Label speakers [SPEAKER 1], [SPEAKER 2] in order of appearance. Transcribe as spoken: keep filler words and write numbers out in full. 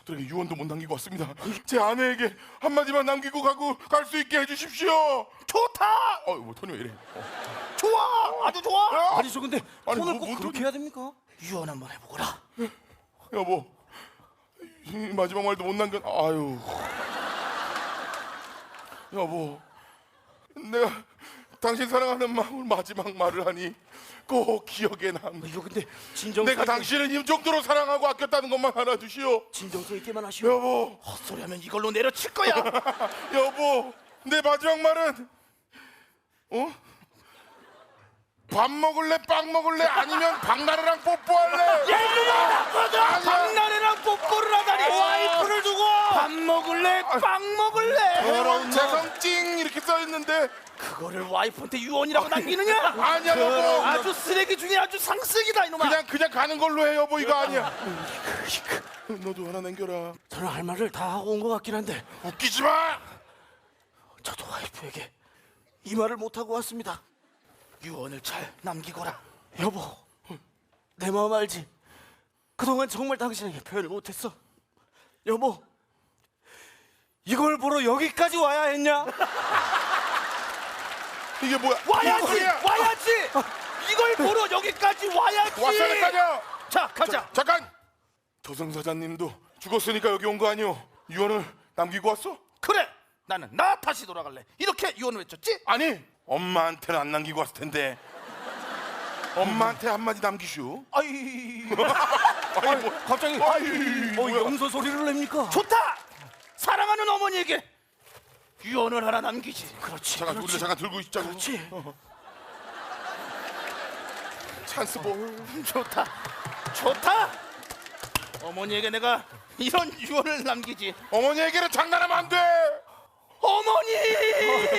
[SPEAKER 1] 가족들에게 유언도 못 남기고 왔습니다. 제 아내에게 한마디만 남기고 가고 갈 수 있게 해주십시오.
[SPEAKER 2] 좋다.
[SPEAKER 1] 어, 뭐 톤이 왜 이래? 어.
[SPEAKER 2] 좋아. 아주 좋아.
[SPEAKER 3] 아니 저 근데
[SPEAKER 1] 아니,
[SPEAKER 3] 톤을
[SPEAKER 1] 뭐,
[SPEAKER 3] 꼭
[SPEAKER 1] 뭔
[SPEAKER 3] 그렇게
[SPEAKER 1] 톤이-
[SPEAKER 3] 해야 됩니까?
[SPEAKER 2] 유언 한번 해보거라.
[SPEAKER 1] 여보, 이 마지막 말도 못 남겨. 아유, 여보, 내가 당신 사랑하는 마음을 마지막 말을 하니 꼭 기억에 남.
[SPEAKER 3] 이거 근데 진정
[SPEAKER 1] 내가 당신을 이 정도로 사랑하고 아꼈다는 것만 알아주시오.
[SPEAKER 3] 진정성 있게만 하시오.
[SPEAKER 1] 여보,
[SPEAKER 2] 헛소리하면 이걸로 내려칠 거야.
[SPEAKER 1] 여보, 내 마지막 말은 어? 밥 먹을래, 빵 먹을래, 아니면 박나래랑 뽀뽀할래?
[SPEAKER 2] 야 이놈아 나쁘다.
[SPEAKER 1] 아니야.
[SPEAKER 2] 박나래랑 뽀뽀를 하다니. 와이프를 두고 밥 먹을래, 빵 먹을래.
[SPEAKER 1] 결혼 재성찡 이렇게 써 있는데
[SPEAKER 2] 그거를 와이프한테 유언이라고 남기느냐?
[SPEAKER 1] 아니야
[SPEAKER 2] 그럼
[SPEAKER 1] 여보.
[SPEAKER 2] 아주 쓰레기 중에 아주 상쓰기다 이놈아.
[SPEAKER 1] 그냥 그냥 가는 걸로 해 여보. 이거 아니야. 너도 하나 남겨라.
[SPEAKER 3] 저는 할 말을 다 하고 온 것 같긴 한데
[SPEAKER 1] 웃기지 마.
[SPEAKER 3] 저도 와이프에게 이 말을 못 하고 왔습니다.
[SPEAKER 2] 유언을 잘 남기거라.
[SPEAKER 3] 여보, 내 마음 알지? 그동안 정말 당신에게 표현을 못했어. 여보, 이걸 보러 여기까지 와야 했냐?
[SPEAKER 1] 이게 뭐야?
[SPEAKER 2] 와야지,
[SPEAKER 1] 이게 뭐야?
[SPEAKER 2] 와야지. 이걸 보러 여기까지 와야지.
[SPEAKER 1] 왔어야 될거냐?
[SPEAKER 2] 자, 가자.
[SPEAKER 1] 잠깐. 조승사자님도 죽었으니까 여기 온 거 아니오? 유언을 남기고 왔어?
[SPEAKER 2] 그래. 나는 나 다시 돌아갈래. 이렇게 유언을 외쳤지?
[SPEAKER 1] 아니, 엄마한테는 안 남기고 왔을 텐데. 엄마한테 한마디 남기슈.
[SPEAKER 2] 아이,
[SPEAKER 1] 아니, 뭐,
[SPEAKER 3] 갑자기
[SPEAKER 1] 아이,
[SPEAKER 3] 어,
[SPEAKER 1] 뭐야?
[SPEAKER 3] 염소 소리를 냅니까?
[SPEAKER 2] 좋다. 사랑하는 어머니에게 유언을 하나 남기지.
[SPEAKER 3] 그렇지.
[SPEAKER 1] 잠깐,
[SPEAKER 3] 그렇지.
[SPEAKER 1] 우리가 잠깐 들고 있자고.
[SPEAKER 3] 그렇지.
[SPEAKER 1] 찬스볼.
[SPEAKER 2] 좋다. 좋다. 어머니에게 내가 이런 유언을 남기지.
[SPEAKER 1] 어머니에게는 장난하면 안 돼.
[SPEAKER 2] 어머니!